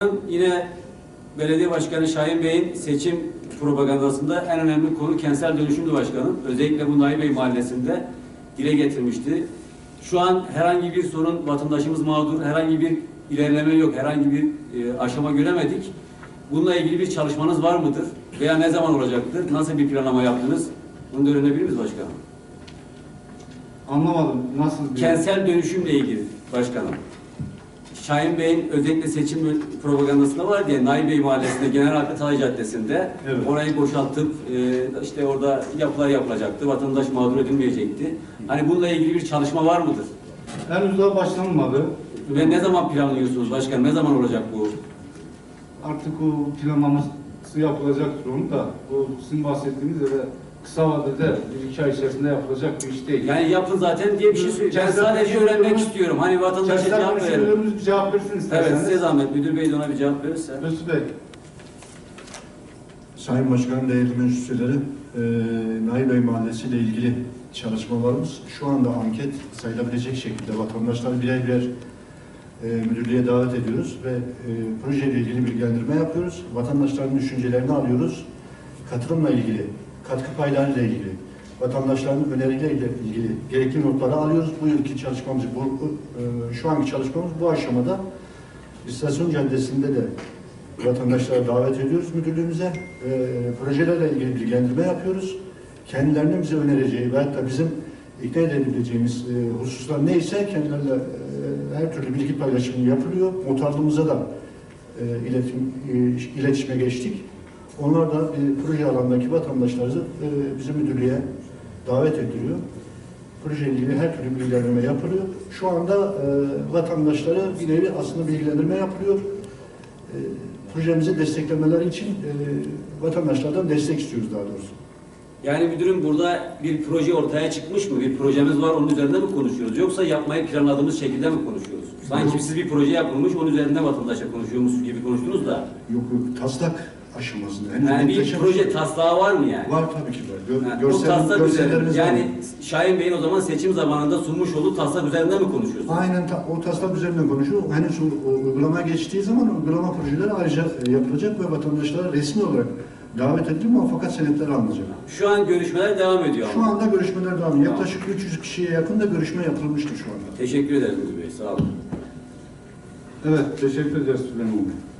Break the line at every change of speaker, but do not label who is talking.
Yine Belediye Başkanı Şahin Bey'in seçim propagandasında en önemli konu kentsel dönüşümdü başkanım. Özellikle bu Nahi Bey Mahallesi'nde dile getirmişti. Şu an herhangi bir sorun, vatandaşımız mağdur, herhangi bir ilerleme yok, herhangi bir aşama göremedik. Bununla ilgili bir çalışmanız var mıdır? Veya ne zaman olacaktır? Nasıl bir planlama yaptınız? Bunu da öğrenebilir miyiz başkanım?
Anlamadım. Nasıl bir...
Kentsel dönüşümle ilgili başkanım. Şahin Bey'in özellikle seçim propagandasında var diye Nahi Bey Mahallesi'nde Genel Hakkı Talay Caddesi'nde
evet,
orayı boşaltıp işte orada yapılar yapılacaktı. Vatandaş mağdur edilmeyecekti. Hani bununla ilgili bir çalışma var mıdır?
Henüz daha başlanmadı.
Ve ne zaman planlıyorsunuz başkanım? Ne zaman olacak bu?
Artık o planlaması yapılacaktır onu da. O sizin bahsettiğiniz de kısa vadede 1-2 ay içerisinde yapılacak bir iş değil.
Yani yapın zaten diye bir şey söylüyorum. Ben sadece öğrenmek istiyorum. Hani vatandaşa cevap verelim.
Bir cevap versin isterseniz.
Evet, size zahmet. Müdür Bey de ona bir cevap verirse.
Mesut Bey.
Sayın Başkanım, değerli meclis üyeleri, Nahi Bey Mahallesi ile ilgili çalışmalarımız şu anda anket sayılabilecek şekilde vatandaşları birer birer müdürlüğe davet ediyoruz ve projeyle ilgili bilgilendirme yapıyoruz. Vatandaşların düşüncelerini alıyoruz. Katılımla ilgili, katkı paylarıyla ilgili, vatandaşların önerileriyle ilgili gerekli notları alıyoruz. Bu yılki çalışmamız, şu anki çalışmamız bu aşamada. İstasyon Caddesi'nde de vatandaşlara davet ediyoruz müdürlüğümüze. Projelerle ilgili bilgilendirme yapıyoruz. Kendilerinin bize önereceği veyahut da bizim ikna edebileceğimiz hususlar neyse kendilerine her türlü bilgi paylaşımı yapılıyor. Muhtarlığımıza da iletişime geçtik. Onlar da proje alanındaki vatandaşları bizim müdürlüğe davet ediliyor. Projeyle ilgili her türlü bilgilendirme yapılıyor. Şu anda vatandaşlara bir nevi aslında bilgilendirme yapılıyor. Projemizi desteklemeleri için vatandaşlardan destek istiyoruz daha doğrusu.
Yani müdürüm burada bir proje ortaya çıkmış mı? Bir projemiz var, onun üzerinde mi konuşuyoruz? Yoksa yapmayı planladığımız şekilde mi konuşuyoruz? Sanki siz bir proje yapılmış, onun üzerinde vatandaşa konuşuyormuş gibi konuştunuz da.
Yok, taslak aşamasında.
Yani bir proje taslağı var mı yani?
Var tabii ki var.
Yani o taslak
görsellerimiz
üzerinde, yani
var.
Şahin Bey'in o zaman seçim zamanında sunmuş olduğu taslak üzerinde mi konuşuyorsunuz?
Aynen o taslak üzerinden konuşuyor. Henüz uygulamaya geçtiği zaman uygulama projeleri ayrıca yapılacak ve vatandaşlara resmi olarak davet edilip fakat senetleri alınacak.
Şu an görüşmeler devam ediyor
Şu
ama.
anda görüşmeler devam ediyor. Yaklaşık 300 kişiye yakın da görüşme yapılmıştır şu anda.
Teşekkür ederim müdür bey, sağ olun.
Evet, teşekkür ederiz Süleyman Bey.